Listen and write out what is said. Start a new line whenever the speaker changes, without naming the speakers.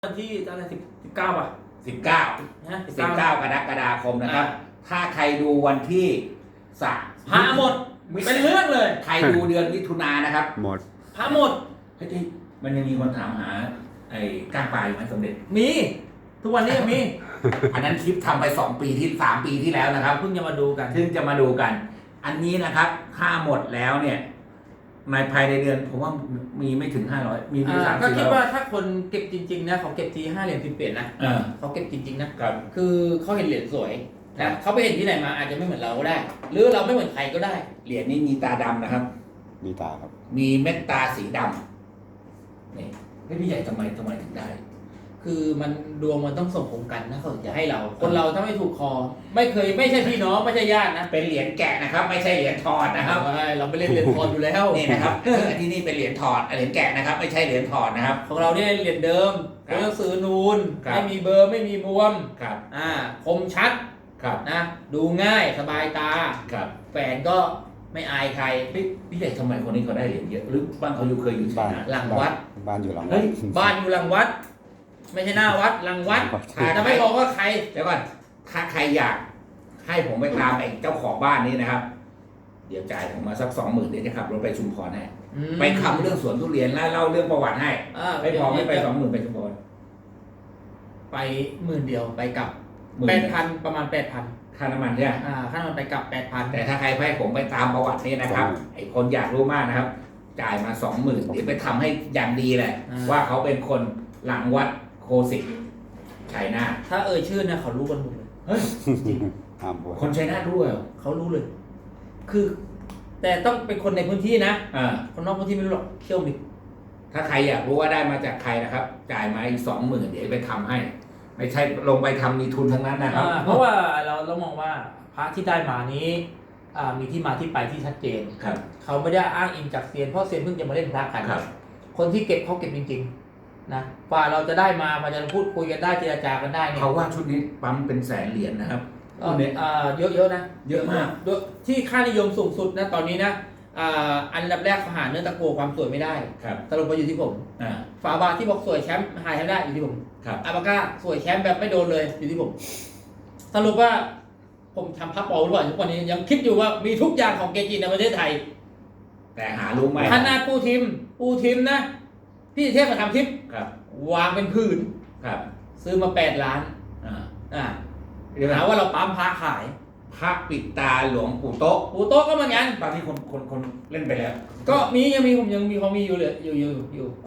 วันที่อะไร19ป่ะ
19
นะ
19กรกฎาคมนะครับ ถ้าใครดูวันที่
พระหมดเป็นเรื่องเลย
ใครดูเดือนมิถุนายนนะครับ
หมด
พระหมด
เฮ้ยมันยังมีคนถามหาไอ้ก้างปลาอยู่ไหมสมเด็จ
มีทุกวันนี้ยังมี
อันนั้นคลิปทำไป3 ปีที่แล้วนะครับ
เพิ่งจะมาดูกัน
อันนี้นะครับถ้าหมดแล้วเนี่ยในภายในเดือนผมว่ามีไม่ถึง500มี
ก็คิดว่าถ้าคนเก็บจริงๆนะเขาเก็บที5 เหรียญ10 เหรียญนะเขาเก็บจริงๆนะครับคือเขาเห็นเหรียญสวยนะเขาไปเห็นที่ไหนมาอาจจะไม่เหมือนเราก็ได้ หรือเราไม่เหมือนใครก็ได้
เหรียญนี้มีตาดำนะครับ
มีตาครับ
มีเม็ดตาสีดำนี่พี่ใหญ่ทำไมถึงได้
คือมันดวงมันต้องส่งผลกันนะเขาจะให้เราคนเราถ้าไม่ถูกคอไม่ใช่พี่น้องไม่ใช่ญาตินะ
เป็นเหรียญแกะนะครับไม่ใช่เหรียญถอดนะครับ
เราไม่เล่นเหรียญถอดอยู่แล้ว
นี่นะครับที่นี่เป็นเหรียญถอดเหรียญแกะนะครับไม่ใช่เหรียญถอดนะครับ
ของเราเนี่ยเหรียญเดิมตัวหนังสือนูนไม่มีเบอร์ไม่มีบวม
ครับ
คมชัด
ครับ
นะดูง่ายสบายตา
ครับ
แฟนก็ไม่อายใคร
พี่ใหญ่ทำไมคนนี้เขาได้เหรียญเยอะหรือบ้านเขาเคยอยู่ที่ไหน
หลังวัด
บ้านอยู่หลังวัด
บ้านอยู่หลังวัดไม่ใช่หน้าวัดหลังวัดจะไม่บอกว่าใคร
เดี๋ยวก่อนถ้าใครอยากให้ผมไปตามไอ้เจ้าของบ้านนี้นะครับเดี๋ยวจ่ายผมมาสัก20,000เดี๋ยวจะขับรถไปชุมพรให้ไปคำเรื่องสวนทุเรียนแล้วเล่าเรื่องประวัติให้ไม่พอไม่ไป20,000ไปชุมพร
ไป10,000เดียวไปกลับ8,000ประมาณ8,000
ค่าน้ำมันใช่ไหม
ค่าน้ำมันไปกลับ8,000
แต่ถ้าใครให้ผมไปตามประวัตินี่นะครับไอ้คนอยากรู้มากนะครับจ่ายมา20,000เดี๋ยวไปทำให้อย่างดีเลยว่าเขาเป็นคนหลังวัดโคสิตชัยนาท
ถ้าชื่อเนี่ยเขารู้กันหมดเลย
เฮ้ยจริงคนชัยนาทรู้เหรอ
เขารู้เลยคือแต่ต้องเป็นคนในพื้นที่นะคนนอกพื้นที่ไม่รู้หรอกเชื่อมิ
ถ้าใครอยากรู้ว่าได้มาจากใครนะครับจ่ายมาอีก20,000เดี๋ยวไปทำให้ไม่ใช่ลงไปทำมีทุนทั้งนั้นนะครับ
เพราะว่าเรามองว่าพระที่ได้มานี้มีที่มาที่ไปที่ชัดเจนเขาไม่ได้อ้างอิงจากเซียนเพราะเซียนเพิ่งจะมาเล่นพระกันคนที่เก็บเขาเก็บจริงๆนะกว่าเราจะได้มาจะพูดคุยกันได้เจรจากันได้เนี่ย
เขาว่าชุดนี้ปั๊มเป็นแสนเหรียญนะครับ
เยอะนะ
เยอะมาก
ที่ค่านิยมสูงสุดนะตอนนี้นะอันดับแรกเขาหาเนื้อตะกั่วความสวยไม่ได้สรุปมาอยู่ที่ผมฝาบาทที่บอกสวยแชมป์หายแชมป์ได้อยู่ที่ผมอาบาก้าสวยแชมป์แบบไม่โดนเลยอยู่ที่ผมสรุปว่าผมทำพับปอหรือเปล่าทุกวันนี้ยังคิดอยู่ว่ามีทุกอย่างของเกจิในประเทศไทย
แต่หารู้ไหม
ขนาดปูทิมนะพี่เทพมาทำทิปวางเป็นผืนซื้อมา8 ล้านหาว่าเราปั๊มพระขาย
พระปิดตาหลวงปู่โต๊ะ
ก็เหมือนกัน
ตอนนี้คนเล่นไปแล้ว
ก็ยังมีผมยังมีเขามีอยู่เลยอยู่